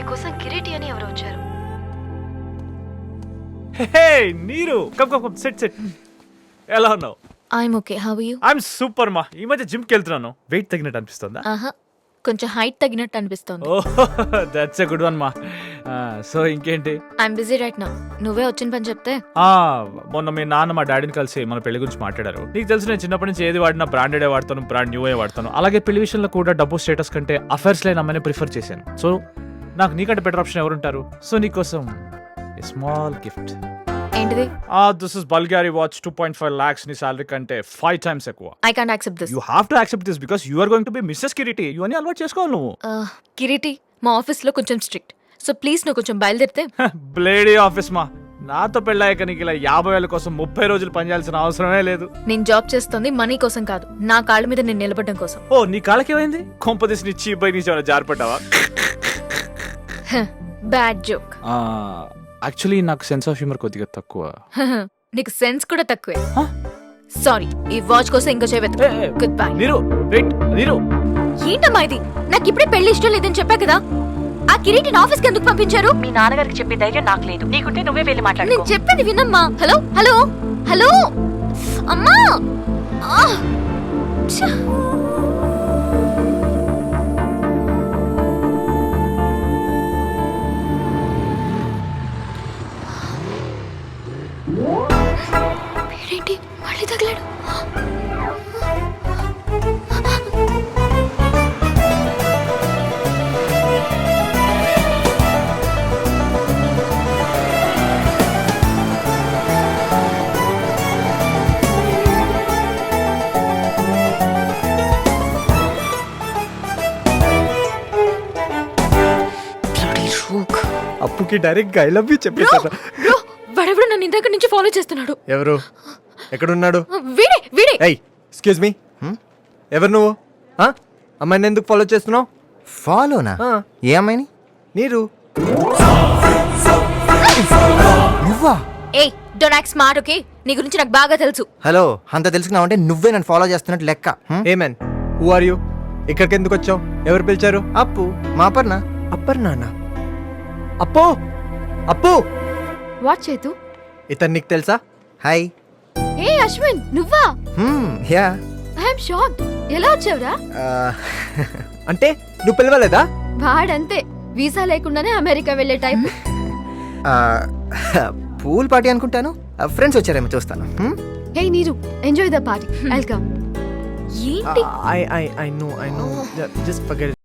మీకోసం కిరీటి అని ఎవరు వచ్చారు. హే నీరు, కమ్ సెట్ ఎలా ఉన్నావు? I'm okay, how are you? I'm super మా. ఈ మధ్య జిమ్ కి వెళ్తున్నాను. వెయిట్ తగ్గినట్టు అనిపిస్తుందా? ఆహా, కొంచెం హైట్ తగ్గినట్టు అనిపిస్తోంది. Oh that's a good one మా. సో ఇంకేంటి? I'm busy right now. నువ్వే వచ్చిన పని చెప్తే. మొన్న మీ నాన్న మా డాడీని కలిసి మన పెళ్లి గురించి మాట్లాడారు. నీకు తెలుసు నేను చిన్నప్పటి నుంచి ఏది వాడినా బ్రాండెడే వాడతాను, బ్రాండ్ న్యూయే వాడతాను. అలాగే పెళ్లి విషయంలో కూడా డబ్బు స్టేటస్ కంటే అఫైర్స్ లేని అమ్మాయిని ప్రిఫర్ చేశాను. సో నాకు నీకంటే బెటర్ ఆప్షన్ ఎవరుంటారు? సో నీకోసం స్మాల్ గిఫ్ట్. ఏంటిది? This is Bulgari watch 2.5 lakhs నీ సాలరీ కంటే 5 times ఎక్కువ. I can't accept this. You have to accept this because you are going to be Mrs Kireeti. ఇవన్నీ అలవాటు చేసుకోవాలి నువ్వు. కిరీటి మా ఆఫీస్ లో కొంచెం స్ట్రిక్ట్. సో ప్లీజ్ నువ్వు కొంచెం బయలుదేరితే. బ్లేడీ ఆఫీస్ మా. నాతో పెళ్ళాక నీకు ఇలా 50,000 కోసం 30 రోజులు పనిచేయాల్సిన అవసరమే లేదు. నేను జాబ్ చేస్తుంది మనీ కోసం కాదు, నా కాళ్ళ మీద నేను నిలబడడం కోసం. ఓ నీ కాళ్ళకి ఏమైంది? కొంపదీసి నీ చీప్ బై నుంచి జారిపడ్డావా? Bad joke. యాక్చువల్లీ నాకు సెన్స్ ఆఫ్ హ్యూమర్ కొద్దిగా తక్కువ. నీకు సెన్స్ కూడా తక్కువే. సారీ, ఈ వాచ్ కోసం ఇంకో చేయవద్దు. Good bye. నీరు వెయిట్, నీరు ఏంటమ్మా ఇది? నాకు ఇప్పుడే పెళ్లి ఇష్టం లేదని చెప్పా కదా. ఆ కిరీటిని ఆఫీస్కి ఎందుకు పంపించారు? మీ నాన్నగారికి చెప్పే ధైర్యం నాకు లేదు. నీకుంటే నువ్వే వెళ్ళి మాట్లాడు. నేను చెప్పేది వినమ్మా. హలో హలో హలో అమ్మా. ఛ! వీడేంటి మళ్ళీ తగిలాడు? అప్పుకి డైరెక్ట్ గా ఐ లవ్ యూ చెప్పేశారు. బ్రో, వాడెవడో నన్ను ఇందాక నుంచి ఫాలో చేస్తున్నాడు. ఎవరు? ఎక్కడున్నాడు? వీడే వీడే. ఏయ్ ఎక్స్క్యూజ్ మీ, ఎవరు నువ్వు? అమ్మాయిని ఎందుకు ఫాలో చేస్తున్నావు? ఫాలోనా? ఏ అమ్మాయిని? నీరు. నువ్వా? ఏయ్ డోంట్ యాక్ట్ స్మార్ట్, ఓకే? నీ గురించి నాకు బాగా తెలుసు. హలో, అంత తెలుసుకున్నావంటే నువ్వే నన్ను ఫాలో చేస్తున్నట్టు లెక్క. Hey man, who are you? ఇక్కడికి ఎందుకు వచ్చావు? ఎవరు పిలిచారు? అప్పు, మా అపర్ణ. అప్పర్నానా? అప్పు అప్పు. వాట్ చేతు? ఇతను నీకు తెలుసా? హాయ్. ఏ అశ్విన్, నువ్వా? యా. I'm shocked. ఎలా వచ్చావురా? అంటే నువ్వు పిలవలేదా? వాడంతే, వీసా లేకుండానే అమెరికా వెళ్ళే టైప్. పూల్ పార్టీ అనుకుంటాను. ఫ్రెండ్స్ వచ్చారేమో, చూస్తాను. Hey Neeru, enjoy the party. Welcome. ఏంటి? I know. Just forget it.